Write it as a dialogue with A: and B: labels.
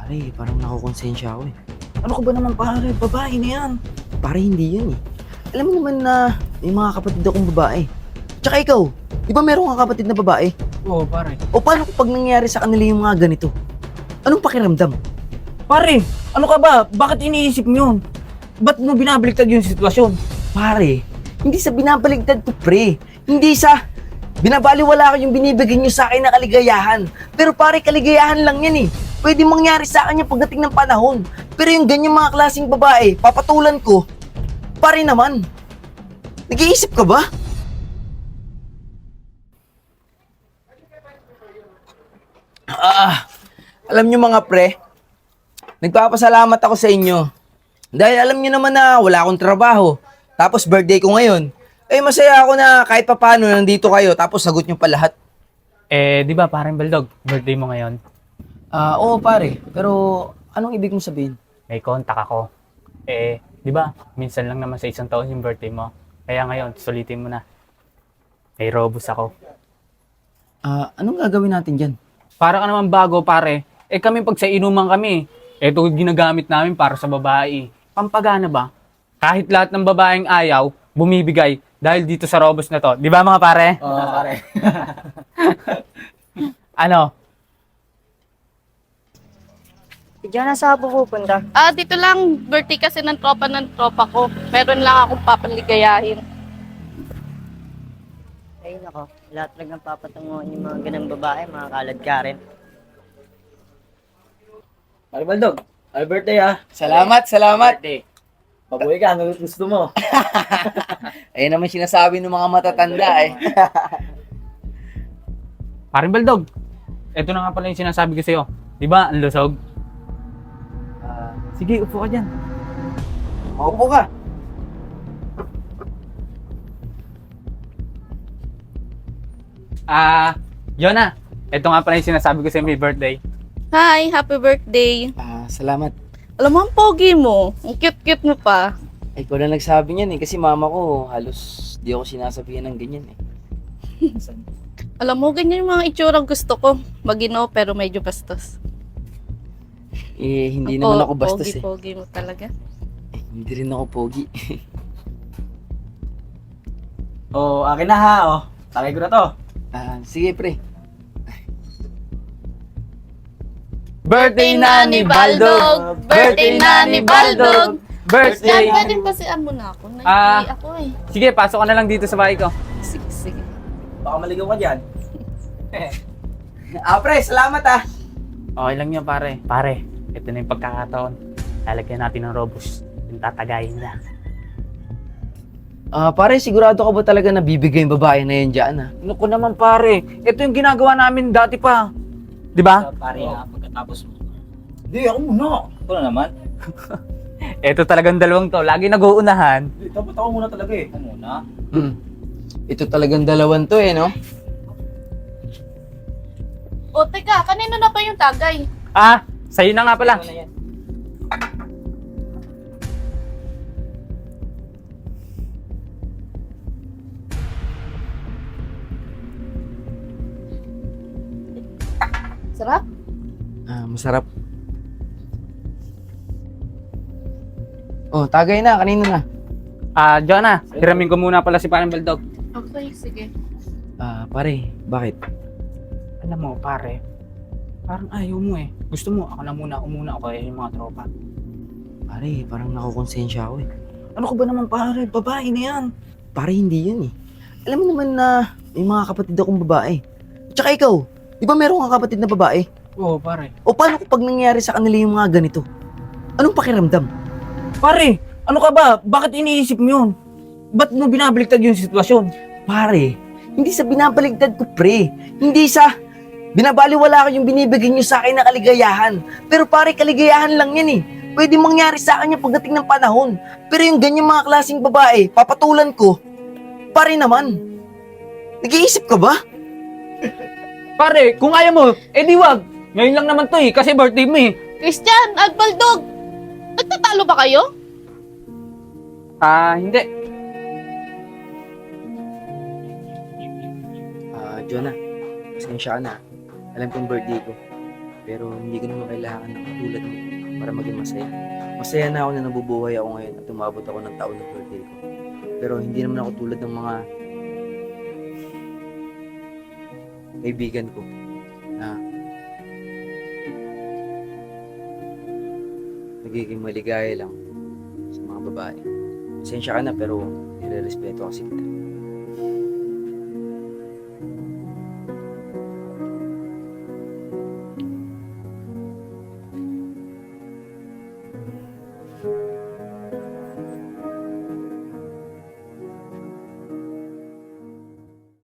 A: Pare, parang nakukonsensya ako eh.
B: Ano ka ba naman pare? Babae na yan.
A: Pare, hindi yun eh. Alam mo naman na may mga kapatid akong babae. Tsaka ikaw, di ba meron kang kapatid na babae?
B: Oo pare.
A: O paano kapag nangyari sa kanila yung mga ganito? Anong pakiramdam?
B: Pare, ano ka ba? Bakit iniisip mo yun? Ba't mo binabaliktad yung sitwasyon?
A: Pare, hindi sa binabaligtad ko pre. Hindi sa binabaliwala ko yung binibigay nyo sa akin na kaligayahan. Pero pare, kaligayahan lang yan eh. Pwede mangyari sa akin yung pagdating ng panahon. Pero yung ganyan mga klaseng babae, papatulan ko, pare naman. Nag-iisip ka ba? Alam nyo mga pre, nagpapasalamat ako sa inyo. Dahil alam nyo naman na wala akong trabaho. Tapos birthday ko ngayon. Eh masaya ako na kahit papano nandito kayo tapos sagot nyo pa lahat.
C: Di ba parang Baldog, birthday mo ngayon?
A: Oo pare, pero anong ibig mong sabihin?
C: May contact ako. Di ba, minsan lang naman sa isang taon yung birthday mo. Kaya ngayon, sulitin mo na. May robos ako.
A: Anong gagawin natin dyan?
C: Para ka naman bago, pare. Kami pag sa inuman kami, ito ginagamit namin para sa babae. Pampagana ba? Kahit lahat ng babaeng ayaw, bumibigay dahil dito sa robos na to. Di ba mga pare?
B: Oo pare.
C: Ano?
D: Diyan na sa pupunta.
E: Dito lang, birthday kasi ng tropa ko. Meron lang akong papaligayahin.
D: Ay nako, lahat lang ng papatunguhan yung mga ganang babae, mga kalad ka rin.
B: Pare Baldog, happy birthday ah.
A: Salamat.
B: Pabuhay ka, ano gusto mo?
A: Ayun naman sinasabi ng mga matatanda eh.
C: Paring Baldog, ito na nga pala yung sinasabi ko sa'yo. Di ba, ang lusog? Sige, upo ka dyan.
A: Maupo ka.
C: Yona, ito nga pala yung sinasabi ko sa'yo may birthday.
E: Hi, happy birthday.
A: Salamat.
E: Alam mo, ang pogi mo. Ang cute-cute mo pa.
A: Ay, ko na nagsabi niyan eh. Kasi mama ko, halos di ako sinasabihan ng ganyan eh.
E: Alam mo, ganyan yung mga itsura gusto ko. Magino, pero medyo bastos.
A: Hindi naman ako bastos eh.
E: Pogi mo talaga.
A: Hindi rin ako pogi.
B: Akin na ha, Tagay ko na to.
A: Sige pre.
C: Birthday na ni Baldog!
E: Birthday na ni Baldog!
C: Birthday!
E: Yan, pwede pasian mo na ako. Naiiyak ako eh.
C: Sige, pasok ka na lang dito sa bahay ko.
E: Sige.
B: Baka maligaw ka dyan.
A: Pre, salamat ah.
C: Okay lang yan, pare. Pare, ito na yung pagkakataon. Lalagyan natin ng robos. Yung tatagayin na.
A: Pare, sigurado ka ba talaga na bibigay yung babae na yan dyan ah?
C: Naku naman, pare. Ito yung ginagawa namin dati pa. Di ba?
B: Pare pagkatapos mo. Hindi, ako muna. Ako na naman.
C: Ito talagang dalawang to. Lagi nag-uunahan.
B: Hindi, dapat ako muna talaga eh. Ako muna.
A: Ito talagang dalawan to eh, no?
E: O, teka, kanino na pa yung tagay?
C: Sa'yo na nga pala.
B: Ako na yan.
E: Sarap?
A: Masarap. Tagay na. Kanino na?
C: Jonah, hiramin ko muna pala si parang Baldog.
E: Okay, sige.
A: Pare, bakit?
C: Alam mo, pare, parang ayaw mo eh. Gusto mo, ako na muna, umuna ako yung mga tropa.
A: Pare, parang nakukonsensya ako eh.
B: Ano ka ba naman pare? Babae na yan.
A: Pare, hindi yun eh. Alam mo naman na may mga kapatid akong babae. Tsaka ikaw, di ba meron kang kapatid na babae?
C: Oo, pare.
A: O paano kapag nangyari sa kanila yung mga ganito? Anong pakiramdam?
B: Pare, ano ka ba? Bakit iniisip mo yun? Ba't mo binabaliktad yung sitwasyon?
A: Pare, hindi sa binabaligtad ko pre. Hindi sa binabaliwala ko yung binibigay nyo sa akin na kaligayahan. Pero pare, kaligayahan lang yan eh. Pwede mangyari sa akin yung pagdating ng panahon. Pero yung ganyan mga klaseng babae, papatulan ko, pare naman. Nag-iisip ka ba?
C: Pare, kung ayaw mo, di wag. Ngayon lang naman to kasi birthday mo eh.
E: Christian at Baldog! Nagtatalo ba kayo?
C: Hindi.
A: Jonah, pasensya ka na. Alam kong birthday ko. Pero hindi ko naman kailangan ng katulad mo para maging masaya. Masaya na ako na nabubuhay ako ngayon at umabot ako ng taon ng birthday ko. Pero hindi naman ako tulad ng mga kaibigan ko na nagiging maligaya lang sa mga babae. Pasensya ka na pero nire-respeto kasi kita.